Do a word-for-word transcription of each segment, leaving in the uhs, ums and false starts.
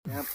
ครับ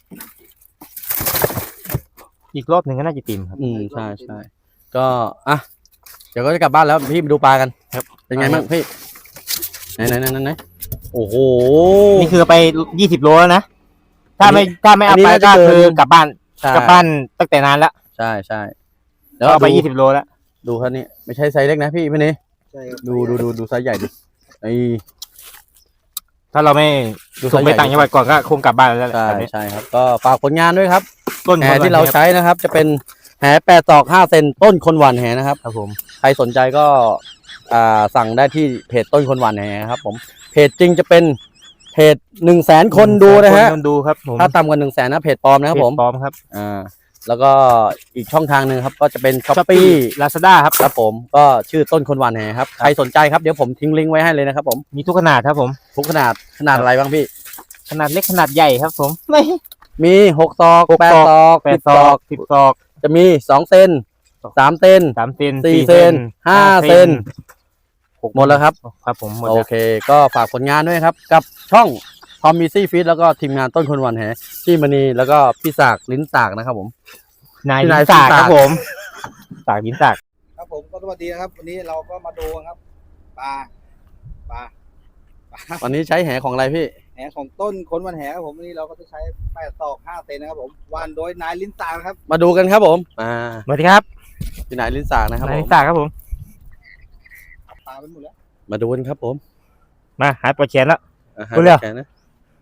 อีกรอบหนึ่งก็น่าจะติ่มครับอืมใช่ใช่ก็อ่ะเดี๋ยวก็จะกลับบ้านแล้วพี่ไปดูปลากันครับเป็นไงบ้างพี่ไหนไหนไหนไหนไหนโอ้โหนี่คือไปยี่สิบโลแล้วนะถ้าไม่ถ้าไม่อัเอานนี้ไปน่าจะก็เกินคือกลับบ้านใช่กลับบ้านตั้งแต่นานแล้วใช่ใช่แล้วเอาไปยี่สิบโลแล้วดูครับนี่ไม่ใช่ไซส์เล็กนะพี่พี่นี่ใช่ครับดูดูดูดูไซส์ใหญ่ดิไอ้ถ้าเราไม่ดูส่งไปไซส์ใหญ่ต่างจังหวัดก่อนก็คงกลับบ้านแล้วแหละใช่แบบนี้ใช่ครับก็ฝากผลงานด้วยครับต้นแหคนที่เราวันนี้ใช้นะครับ จะเป็นแหแปดตอกห้าเซนต้นคนหวานแหนะครับครับผมใครสนใจก็อ่าสั่งได้ที่เพจต้นคนหวานแหครับผมเพจจริงจะเป็นเพจหนึ่งแสนคนดูนะฮะคนดูครับผมถ้าต่ำกว่าหนึ่งแสนนะเพจปลอมนะครับผมเพจปลอมครับอ่าแล้วก็อีกช่องทางหนึ่งครับก็จะเป็นช้อปปี้ลาซาด้าครับครับผมก็ชื่อต้นคนหวานแหครับใครสนใจครับเดี๋ยวผมทิ้งลิงก์ไว้ให้เลยนะครับผมมีทุกขนาดครับผมทุกขนาดขนาดอะไรบ้างพี่ขนาดเล็กขนาดใหญ่ครับผมไม่มีหกซอกหกแปดซอกซอกแปสิดบซซออก กสิบซอกจะมีสองเซนสามเซนสามเซนสี่เซนห้าเซน หมดแล้วครับครับผมหมดโอแล้วเค ก็ฝากผลงานด้วยครับ กับช่องทอมมี่ซี่ฟิตแล้วก็ทีมงานต้นคนหวันแหพี่มณีแล้วก็พี่สากลิ้นสากนะครับผมนายพี่ลิ้นายนสากลิ้นสากครับผมสากลิ้นสากครับผมก็สวัสดีนะครับ วันนี้เราก็มาดูกันครับปลาปลาปลาวันนี้ใช้แหของอะไรพี่แหของต้นคนวันแหครับผมวันนี้เราก็จะใช้แปดตอกห้าเซนนะครับผมวานโดยนายลิ้นตานะครับมาดูกันครับผมอ่าสวัสดีครับพี่นายลิ้นสากนะครับนายผลิ้มนสากครับผมปลาไปหมดแล้วมาดูกันครับผมมาหายปวดแขนแล้วอ่าฮะดูเร็วแขนนะ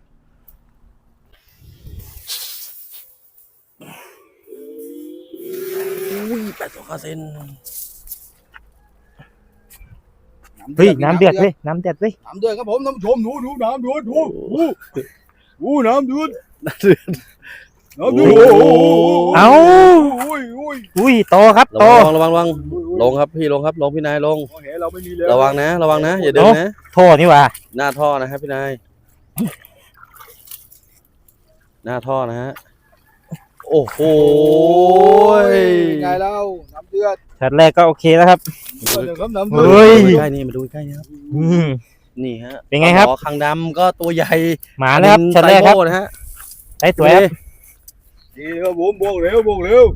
อุ้ยแปดสิบห้าเซนเฮ้ยน้ำเดือดเฮ้ยน้ำเดือดเฮ้ยน้ำเดือดครับผมท่านผู้ชมดูดูน้ำเดือดดูดูดูน้ำเดือดน้ำเดือดเอ้าอุ้ยอุ้ยอุ้ยโตครับระโตวังระวังระวังลงครับพี่ลงครับลงพี่นายลงโอ้โหเราไม่มีเลยระวังนะ ระวังนะ อย่าเดินนะโทษนี่หว่าหน้าท่อนะครับพี่นาย หน้าท่อนะฮะ โอ้โหไงเล่าน้ำเดือดช็อตแรกก็โอเคแล้วครับเดือดครับน้ำเฮ้เดือดยใกล้นี่มาดูใกล้นี่ครับอืมนี่ฮะเป็นไงครับปลาหมอคางดำก็ตัวใหญ่หมานะครับช็อตแรกครับไซโนะฮะได้สวยครับดีครับผมบวกเร็วบวกเร็ว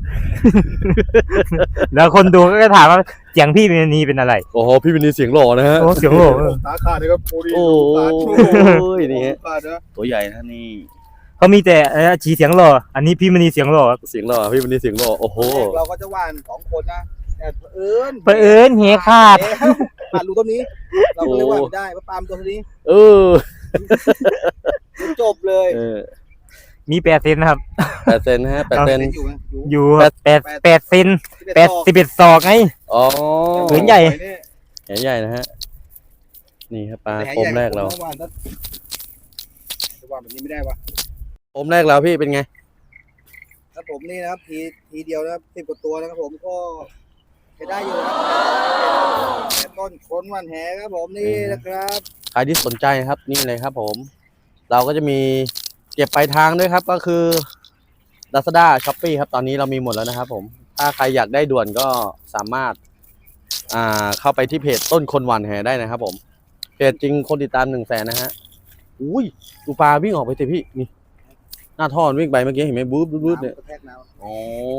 แล้วคนดูก็จะถามว่าเสียงพี่เป็นนีเป็นอะไรโอ้โห พี่เป็นนี่เสียงหล่อนะฮะโอ้เสียงโหตาขาดเลยครับโอ้ดีโอ้ตาชูยนี่ฮะขาดนะตัวใหญ่นะนี่เขามีแต่เอ่อจีเสียงหล่ออันนี้พี่มณีเสียงหล่อเสียงหล่อ พี่เป็นนี่เสียงหล่อ โอ้โหเราก็จะว่านสองคนนะแต่เอิญเผอิญเฮขาดขาดรูต้นนี้ เราก็เลยว่าไม่ได้เพราะปาล์มตัวนี้เออจบเลยเออมีแปดเซนนะครับแปดเซนนะฮะแปดเซนอยู่นะอยู่อยู่ครับแปดแปดเซนแปดสิบเอ็ดศอกไงอ๋อผืนใหญ่แหใหญ่นะฮะ นี่ครับปลาโคมแรกเราว่านจะว่านแบบนี้ไม่ได้วะโคมแรกเราพี่เป็นไงครับผมนี่นะครับทีทีเดียวนะครับสิบกว่าตัวนะครับผมก็ใช้ได้อยู่นะครับแต่ต้นคนวันแหครับผมนี่นะครับใครที่สนใจครับนี่เลยครับผม เราก็จะมีเก็บปลายทางด้วยครับก็คือ Lazada Shopee ครับตอนนี้เรามีหมดแล้วนะครับผมถ้าใครอยากได้ด่วนก็สามารถอ่าเข้าไปที่เพจต้นคนหวานแหได้นะครับผมเพจจริงคนติดตามหนึ่งแสนนะฮะอุ้ยดูปลาวิ่งออกไปสิพี่นี่หน้าท่อวิ่งไปเมื่อกี้เห็นไหมบู๊บบู๊บเนี่ยกระแทกน้ำโอ้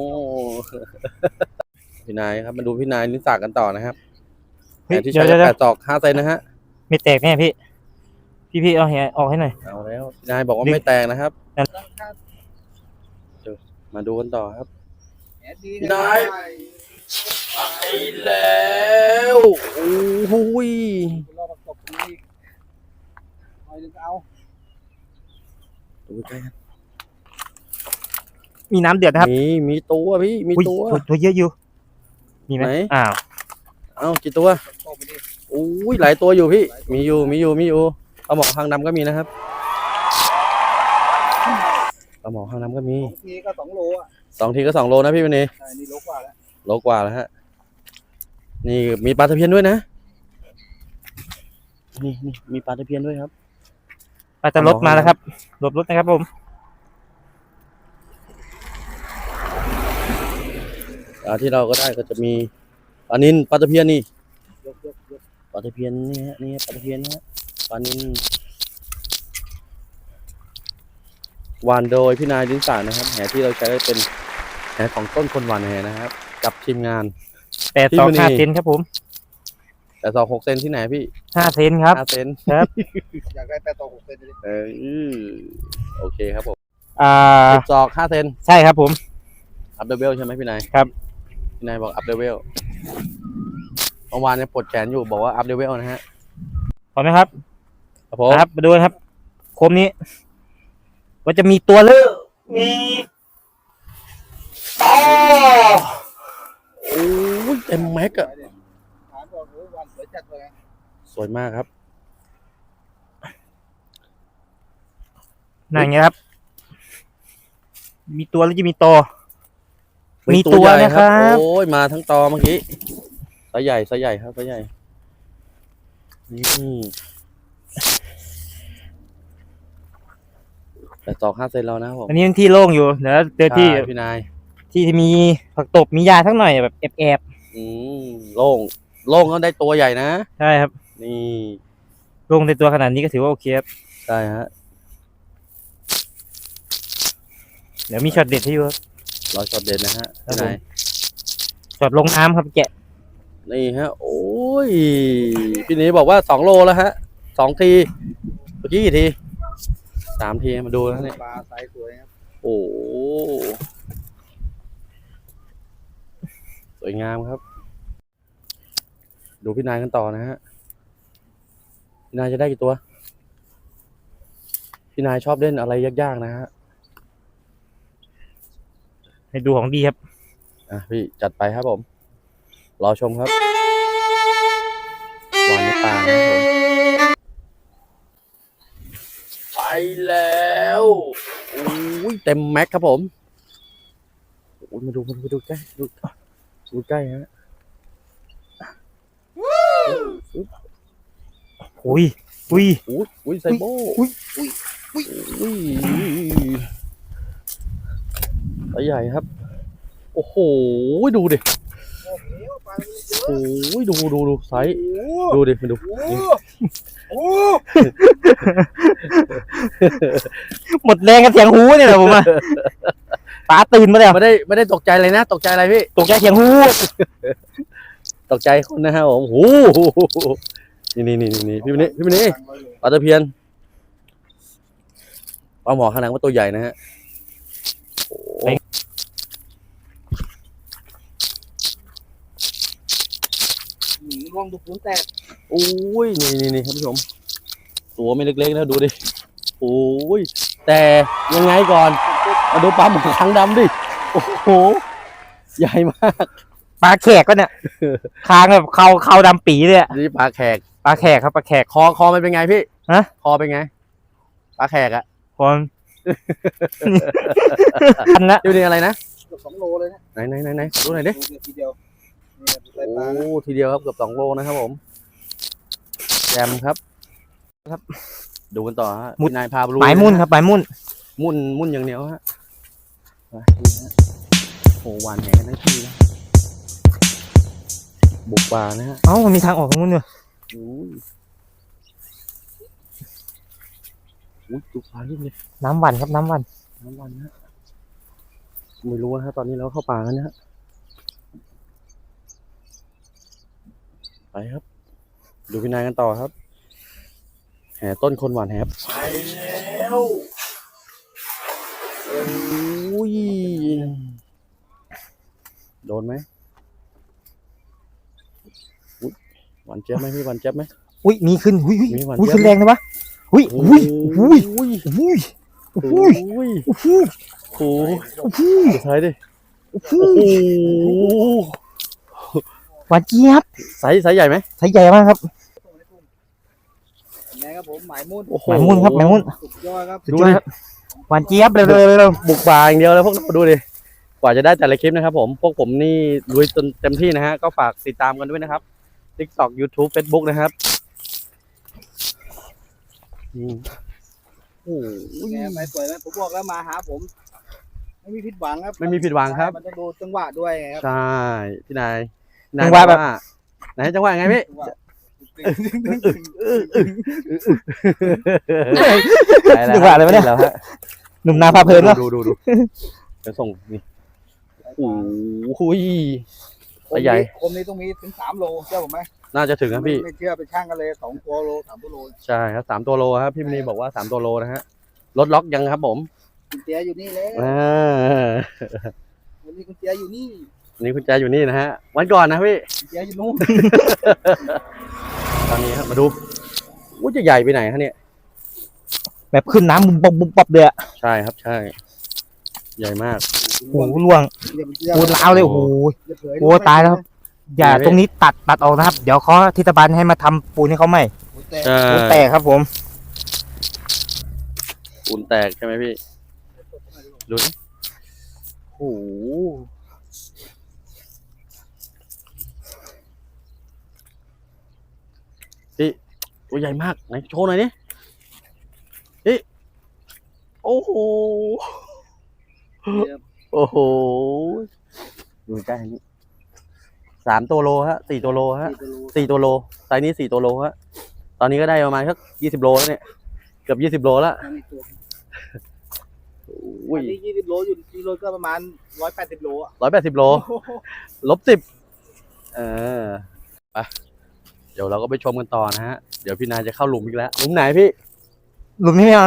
พี่นายครับมาดูพี่นายนิสสักกันต่อนะครับเฮ้ยแหที่เดี๋ยใช้วเดี๋ยวแปดตอกห้าเซนนะฮะไม่แตกแน่พี่ พี่พี่เอาแหออกให้หน่อยเอาแล้วพี่นายบอกว่าไม่แตกนะครับ มาดูกันต่อครับแหดีได้ ไปแล้วโอ้ยรอประกบนี้หน่อยนึงเอาดูใกล้ครับมีน้ำเดือดนะครับมีมีตัวพี่มีอุ้ยตัวตัวเยอะอยู่มีไหมไหนอ้าวเอ้ากี่ตัวตบไปดิโอ้ยหลายตัวอยู่พี่มีอยู่มีอยู่มีอยู่ปลาหมอหางดำก็มีนะครับปลาหมอหางดำก็มีสองทีก็สองโลอ่ะสองทีก็สองโลนะพี่วันนี้ใช่นี่โลกว่าแล้วโลกว่าแล้วฮะ นี่มีปลาตะเพียนด้วยนะ นี่นี่มีปลาตะเพียนด้วยครับอาจจะรถมาแล้วครับรถรถนะครับผมปลาที่เราก็ได้ก็จะมีปลานิลปลาตะเพียนนี่ยกยกยกปลาตะเพียนนี่ฮะนี่ปลาตะเพียนนะฮะปลานิลหวานโดยพี่นายดินสานะครับแหที่เราใช้เป็นแหของต้นคนหวานแหนะครับ กับทีมงานแปดสองห้าเซนครับผมแต่สองหกเซนที่ไหนพี่ห้าเซนครับห้าเซนครับอยากได้แปดต่อหกเซนเลยเออโอเคครับผมอ่าสิบศอกห้าเซนใช่ครับผมอัพเดเวลใช่ไหมพี่นายครับพี่นายบอกอัพเดเวลเมื่อวานเนี่ยปวดแขนอยู่บอกว่าอัพเดเวลนะฮะพร้อมไหมครับครับผมครับมาดูนะครับโคมนี้ว่าจะมีตัวเลือกมีต่อโอ้ยเต็มแม็กอะถามบอกโอ้ยวันสวยจัดเลยสวยมากครับนั่นไงครับ มีตัวแล้วจะมีตัว มีตัวใหญ่นะครับโอ้ยมาทั้งตอเมื่อกี้ไซส์ใหญ่ไซส์ใหญ่ครับไซส์ใหญ่นี่แต่สองห้าเซนแล้วนะครับผมอันนี้เป็นที่โล่งอยู่เดี๋ยวเจอที่ใช่พี่นายที่มีผักตบมียาสักหน่อยแบบแอบอืมโล่งโล่งก็ได้ตัวใหญ่นะๆใช่ครับนี่โล่งในตัวขนาดนี้ก็ถือว่าโอเคครับใช่ฮะเดี๋ยวมีช็อตเด็ดให้ดูครับรอช็อตเด่นนะฮะครับพี่ผมนายช็อตลงน้ำครับแกะนี่ฮะ โอ้ยพี่นี้บอกว่าสองโลแล้วฮะสองทีเมื่อกี้กี่ทีสามทีมาดูนะเนี่ยปลาไซส์สวยครับโอ้โหสวยงามครับ ดูพี่นายกันต่อนะฮะพี่นายจะได้กี่ตัว พี่นายชอบเล่นอะไรยากๆนะฮะให้ดูของดีครับอ่ะพี่จัดไปครับผม รอชมครับหวานในปากนะครับผมไปแล้วโอ้ยเต็มแม็กครับผมโอ้ยมาดูมาดูมาดูใกล้ดูดูใกล้ฮะอุ้ยอุ้ยอุ้ยอุ้ยไซโบอุ้ยอุ้ยอุ้ยตัวใหญ่ครับ โอ้โหดูดิโอ้โหปลาโอ้ยดูดูดูไซส์ดูดิมาดูโอ้โหนี่โอ้หมดแรงกับเสียงฮูเนี่ยแหละผมอะป๋าตื่นมาแล้วไม่ได้ไม่ได้ตกใจเลยนะ ตกใจอะไรพี่ตกใจเสียงฮูตกใจคนนะฮะผมโอ้โหนี่นี่นี่นี่พี่วันนี้พี่วันนี้ปลาตะเพียนปลาหมอขนาดว่าตัวใหญ่นะฮะโอ้โหหนีลองดูปูนแตกโอ้ยนี่นี่นี่ครับผู้ชมตัวไม่เล็กๆนะดูดิโอ้ยแต่ยังไงก่อนมาดูปลาหมอคางดำดิโอ้โหใหญ่มากปลาแขกก็เนี่ยคางแบบเขาเขาดำปีเลยอะนี่ปลาแขกปลาแขกครับปลาแขกคอคอมันเป็นไงพี่ฮะคอเป็นไงปลาแขกอะคนอันละอยู่นี่อะไรนะเกือบสองโลเลยนะไหนไหนไหนไหนดูหน่อยดิดูเนี่ยทีเดียวเนี่ยใส่ปลาโอ้ทีเดียวครับเกือบสองโลนะครับผมแจมครับ ครับ ดูกันต่อฮะพี่นายพาไปดูหมายมุ่นครับหมายมุ่นมุ่นมุ่นอย่างเดียวฮะไปดูฮะโอ้หวานแหกันทั้งทีนะบุกป่านะฮะเอ้ามันมีทางออกตรงนู้นด้วยอุ้ยอุ้ยดูปลาเรื่อยน้ำหวันครับน้ำหวันน้ำวันนะฮะไม่รู้นะฮะตอนนี้เราเข้าป่ากันนะฮะไปครับ ดูพี่นายกันต่อครับ แห่ต้นคนหวานแหบไปแล้วโอ้ยโดนไหมอุ๊ยหวานเจี๊ยบไหมพี่หวานเจี๊ยบไหมอุ้ยมีขึ้นอุ้ยอุ้ยมีหวานอุ้ยเจี๊ยบขึ้นแรงนะวะอุ้ยอุ้ยอุ้ยอุ้ยอุ้ยโอ้อุ้ยยอุ้ยโอ้โหอุ้ยสุดท้ายดิอุ้โอ้ยโหหวานเจี๊ยบไซส์ไซส์ใหญ่ไหมไซส์ใหญ่มากครับยังไงครับผมหมายมุ่นโอ้โหหมายมุ่นครับหมายมุ่นสุดยอดครับสุดยอดครับหวานเจี๊ยบเร็วเร็วเร็วเร็วบุกป่าอย่างเดียวเลยพวกเราดูดิกว่าจะได้แต่ละคลิปนะครับผมพวกผมนี่ลุยจนเต็มที่นะฮะก็ฝากติดตามกันด้วยนะครับ TikTok YouTube Facebook นะครับอืมโอ้โหแกไปสวยไหมผมบอกแล้วมาหาผม ไม่มีผิดหวังครับไม่มีผิดหวังครับมันต้องดูจังหวะด้วยไงครับใช่พี่นายพี่จังหวะแบบอกไหนจังหวะไงพี่จังหวะจังหวะอะไรวะเนี่ยแล้วฮะหนุ่มนาพาเพลินเนาะดูดูดูเดี๋ยวส่งนี่โอ้โหคมใหญ่นี้คมนี้ต้องมีถึงสามโลเชื่อผมไหมน่าจะถึงนะพี่ไม่เชื่อไปช่างกันเลยสองตัวโลสามตัวโลใช่ครับสามตัวโลครับพี่มณีบอกว่าสามตัวโลนะฮะรถล็อกยังครับผมคุณเจียอยู่นี่แล้วอ่าวันนี้คุณเจียอยู่นี่วันนี้คุณแจอยู่นี่นะฮะวันก่อนนะพี่คุณเจียอยู่นู่นตอนนี้ครับมาดูว่าจะใหญ่ไปไหนฮะเนี่ยแบบขึ้นน้ำบุบบบบุบบับเลยอะใช่ครับใช่ ใหญ่มากโอ้โหล่วงอย่าไปเชื่อโอ้ล้าวเลยโอ้โหอย่าเผยโอ้ตายแล้ว อย่าตรงนี้ตัดตัดออกนะครับ เดี๋ยวเขาเทศบาลให้มาทำปูนให้เขาใหม่โอ้แต่ใช่ปูนแตกครับผมปูนแตกใช่ไหมพี่ดูดิโอ้โหพี่ตัวใหญ่มากไหนโชว์หน่อยดิพี่โอ้โหโอ้โหดูใกล้นี่สามตัวโลฮะสี่ตัวโลฮะ สี่ตัวโลไซส์นี้สี่ตัวโลฮะตอนนี้ก็ได้ประมาณสักยี่สิบโลแล้วเนี่ยเกือบยี่สิบโลแล้วมันมีตัวอุ้อัยนนี้ยี่สิบโลอยู่กิโลก็ประมาณร้อยแปดสิบโลอ่ะร้อยแปดสิบโลลบสิบเออไปเดี๋ยวเราก็ไปชมกันต่อนะฮะเดี๋ยวพี่นายจะเข้าหลุมอีกแล้วหลุมไหนพี่หลุมนี้ไม่เอา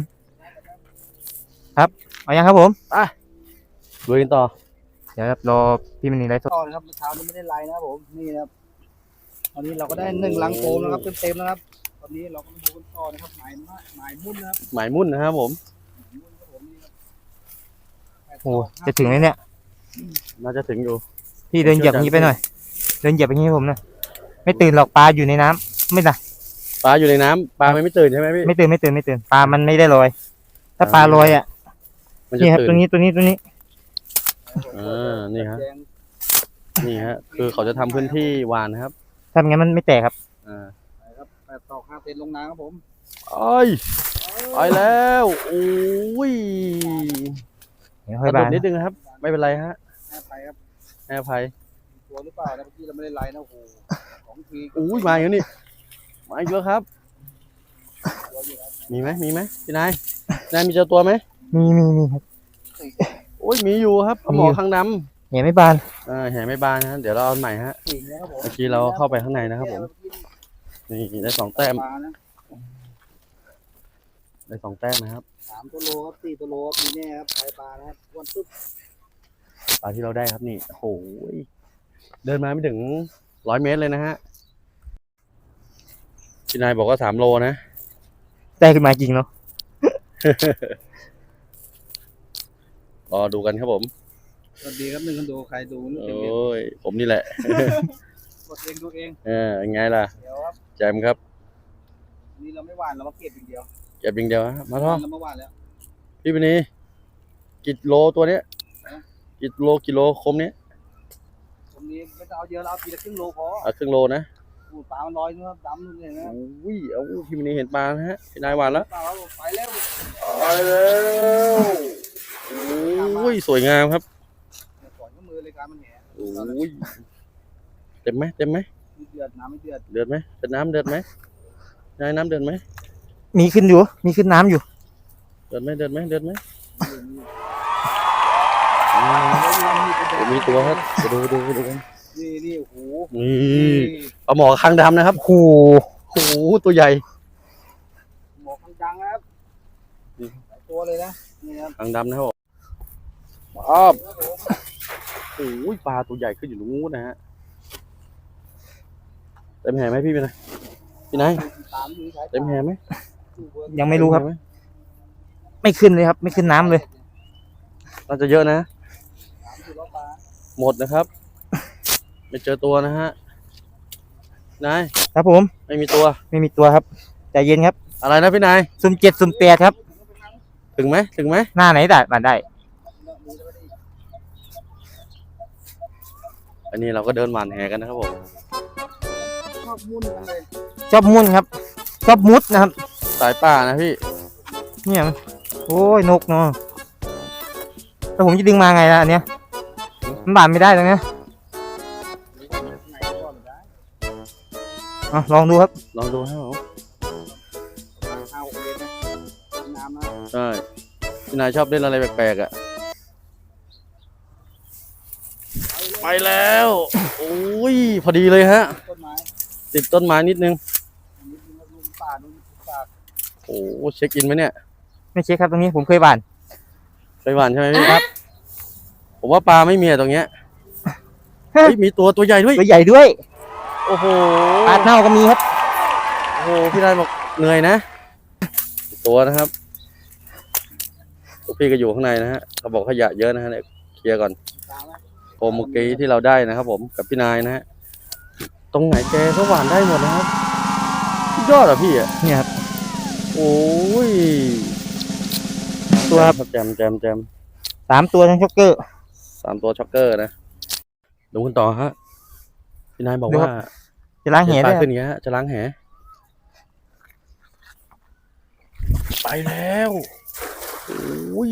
ครับเอายังครับผมลุยกันต่อเดี๋ยวครับรอพี่มณีไลฟ์สดต่อนะครับเมื่อเช้านี้ไม่ได้ไลน์นะครับผมนี่นะครับตอนนี้เราก็ได้หนึ่งลังโฟมนะครับเต็มๆนะครับ ตอนนี้เราก็มาดูกันต่อนะครับหมายมากหมายมุ่นนะครับหมายมุ่นนะครับผมหมายมุ่นครับผมนี่ครับโอ้จะถึงไหมเนี่ยน่าจะถึงอยู่พี่เดินเหยียบอย่างนี้ไปหน่อย เดินเหยียบอย่างนี้ให้ผมหนะไม่ตื่นหรอกปลาอยู่ในน้ำไม่นะปลาอยู่ในน้ำปลามันไม่ตื่นใช่ไหมพี่ไม่ตื่นไม่ตื่นไม่ตื่นปลามันไม่ได้ลอย ถ้าปลาลอยอ่ะมันจะนี่ครับตื่ตัวน นี้ตัวนี้ตัวนี้อ่านี่ฮะแดงนี่ฮะคือเขาจะทำพื้นที่หวานนะครับถ้าไม่งั้นมันไม่แตกครับอ่าครับแปดตอกห้าเซนลงน้ำครับผมไอ้ยไปแล้วโอ้ยเดี๋ยวกค่อยระโดบาดนนิดนึงนะครับ ไม่เป็นไรฮะแม่ไปครับให้อภัยมีตัวหรือเปล่านะเมื่อกี้เราไม่ได้ไลน์นะโอ้โหของทีอุ้ยมาอยู่นี่มาอีกแล้วครับตัวอยู่ครับมีไหมมีไหมพี่นายนายมีเจอตัวไหมมีมีมีครับโอ้ยมีอยู่ครับปลาหมอมีอยู่ข้างดเห็นไม่บานำอ่าแห่ไม่บานนะฮะเดี๋ยวเราเอาใหม่ฮะสี่นะครับผมเมื่อกี้เราเข้าไปข้างในนะครับผม นี่ได้สองแต้มปลานะได้สองแต้มนะครับสามตัวโลครับสี่ตัวโลครับมีแน่ครับไข่ปลานะครับอ้วันตึ๊บปลาที่เราได้ครับนี่โอ้โหเดินมาไม่ถึงร้อยเมตรเลยนะฮะพี่นายบอกว่าสามโลนะได้ขึ้นมาจริงเนาะรอดูกันครับผมสวัสดีครับหนึ่งคนดูใครดูนึกโอเต็มเต็ม้ยผมนี่แหละกดเองดูเองเออยังไงล่ะเดี๋ยวครับแจมครับวันนี้เราไม่หวานเรามาเก็บอย่างเดียวเก็บอย่างเดียวฮะมาท่อเรามาหวานแล้วพี่ปนีกิโลตัวเนี้ยกิโลกิโลคมเนี้ยตรงนี้ไม่ต้องเอาเยอะเราเอาทีละครึ่งโลพอเอาครึ่งโลนะปูปลามันลอยนะครับดำนู่นเลยนะอุ้ยเอาพี่ปนีเห็นปลานะฮะพี่นายหวานแล้วปลาเราไปแล้วไปแล้วอุ้ยสวยงามครับก่อนก็มือเลยการมันแหงอุ้ยเต็มไหมเต็มไหมเดือดน้ำไม่เดือดเดือดไหมเป็นน้ำเดือดไหมนายน้ำเดือดไหมมีขึ้นอยู่ มีขึ้นน้ำอยู่เดือดไหมเดือดไหมเดือดไหมโอ้มีตัวครับดูดูดูกันนี่นี่โอ้โหนี่ปลาหมอคางดำนะครับโอ้โหโอ้โหตัวใหญ่หมอกดังนะครับหลายตัวเลยนะนี่ครับคางดำนะครับอ้าวโอ้ยปลาตัวใหญ่ขึ้นอยู่ตรงนู้นนะฮะเต็มแห่ไหมพี่เป็นไงพี่นายตามดูใช้เต็มแห่ไหมยังไม่รู้ครับเต็แห่หไม่ขึ้นเลยครับ ไม่ขึ้นน้ำเลยน่าจะเยอะนะตามดูแล้วปลาหมดนะครับ ไม่เจอตัวนะฮะนายครับผมไม่มีตัวไม่มีตัวครับใจเย็นครับอะไรนะพี่นายซุ่มเจ็ดซุ่มแปดครับถึงไหมถึงไหมหน้าไหนได้มาได้อันนี้เราก็เดินหวานแหกันนะครับผมชอบมุ่นกันเลยชอบมุ่นครับ ชอบมุดนะครับสายป่านะพี่เนี่ยมันโอ้ยนกเนาะแต่ผมจะดึงมาไงล่ะอันเนี้ยมันบานไม่ได้ตรงเนี้ยไหนก่อนได้อ่ะลองดูครับลองดูให้ผมเอาเลยนะน้ำนะใช่พี่นายชอบเล่นอะไรแปลกๆอ่ะไปแล้วโอ้ยพอดีเลยฮะต้นไม้ติดต้นไม้นิดนึงนิดนึงครับลุงป่าลุงป่าโอ้เช็คอินไหมเนี่ยไม่เช็คครับตรงนี้ผมเคยบานไปหวานใช่ไหมพี่ครับ ผมว่าปลาไม่มีอะตรงเนี้ยเฮ้ยมีตัวตัวใหญ่ด้วยตัวใหญ่ด้วยโอ้โหปลาเน่าก็มีครับโอ้โหพี่นายบอกเหนื่อยนะตัวนะครับพวกพี่ก็อยู่ข้างในนะฮะเขาบอกขยะเยอะนะฮะเนี่ยเคลียร์ก่อนตามไหมโคมเมื่อกี้ที่เราได้นะครับผมกับพี่นายนะฮะตรงไหนแกก็หวานได้หมดนะครับสุดยอดอ่ะพี่อ่ะเนี่ยครับโอ้ยตัวครับแจมแจมแจมสามตัวทั้งช็อกเกอร์สามตัวช็อกเกอร์นะดูกันต่อฮะพี่นายบอกดูครัว่าบ จะล้างแหเห็นปด้ลาวยขึ้นอย่างเงี้ยฮะจะล้างแหไปแล้วโอ้ย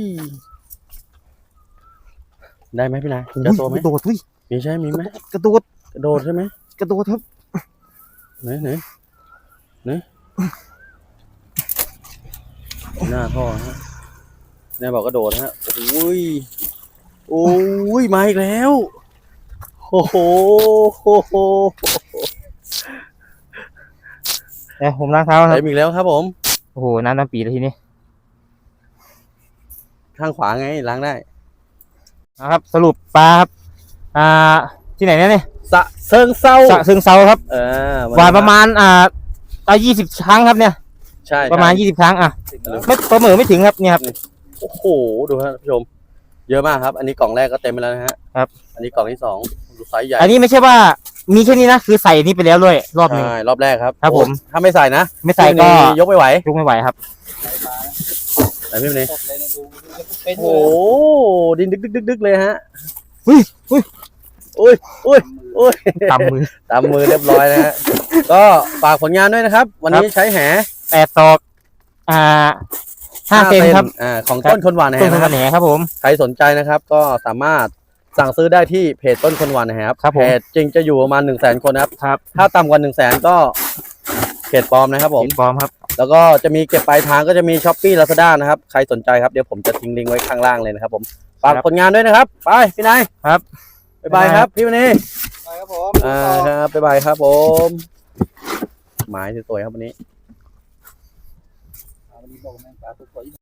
ได้ไหมพี่นายเจอตัวไหมกระโดดอุ้ยมีใช่มีไหมกระโดดกระโดดใช่ไหมกระโดดครับไหนไหนไหนหน้าท่อฮะแม่บอกกระโดดฮะโอ้ยโอ้ยมาอีกแล้วโอ้โหโอ้โหเดี๋ยวผมล้างเท้าครับเต็มอีกแล้วครับผมโอ้โหน้ำน้ำปีแล้วทีนี้ข้างขวาไงล้างได้นะครับ สรุปปลาครับอ่าที่ไหนเนี่ยเนี่ยสะเซิงเศร้าสะซึงเซาครับเออหวานประมาณอ่าเอายี่สิบครั้งครับเนี่ยใช่ประมาณใช่ยี่สิบครั้งอ่ะถึงแล้วไม่ประเมินไม่ถึงครับเนี่ยครับโอ้โหดูฮะท่านผู้ชม เยอะมากครับ อันนี้กล่องแรกก็เต็มไปแล้วนะฮะครับอันนี้กล่องที่สองดูไซส์ใหญ่อันนี้ไม่ใช่ว่ามีแค่นี้นะคือใส่นี่ไปแล้วด้วยรอบหนึ่งใช่รอบแรกครับครับผมโอ้ถ้าไม่ใส่นะไม่ใส่ก็พี่นี่ยกไม่ไหวยกไม่ไหวครับใช้ปลานะไหนพี่เนยสดเลยนะดูดูจะเป็นโอ้เลโหยดินดึกดึกดึกดึกเลยฮะอุ้ยอุ้ยอุ้ยอุ้ยอุ้ยตำมือตามมือเรียบร้อยนะฮะ ก็ฝากผลงานด้วยนะครับ วันนี้ใช้แหแปดศอกอ่าห้าเซนครับอ่าของต้นคนหวานแหต้นนะขครับนาดครับผมใครสนใจนะครับ ก็สามารถสั่งซื้อได้ที่เพจต้นคนหวานแหครับครับผมเพจจริงจะอยู่ประมาณหนึ่งแสนคนนะครับครับถ้าต่ำกว่าหนึ่งแสนก็เพจปลอมนะครับผมติดปลอมครับแล้วก็จะมีเก็บปลายทางก็จะมีช้อปปี้ลาซาด้านะครับ ใครสนใจครับ เดี๋ยวผมจะทิ้งลิงก์ไว้ข้างล่างเลยนะครับผม ฝากครับผลงานด้วยนะครับ ไป พี่นายครับบ๊ายบายครับ พี่วันนี้ไปครับผมอ่าครับ บ๊ายบายครับผม หมายสวยๆครับวันนี้วันนี้บอกแมงปลาสวย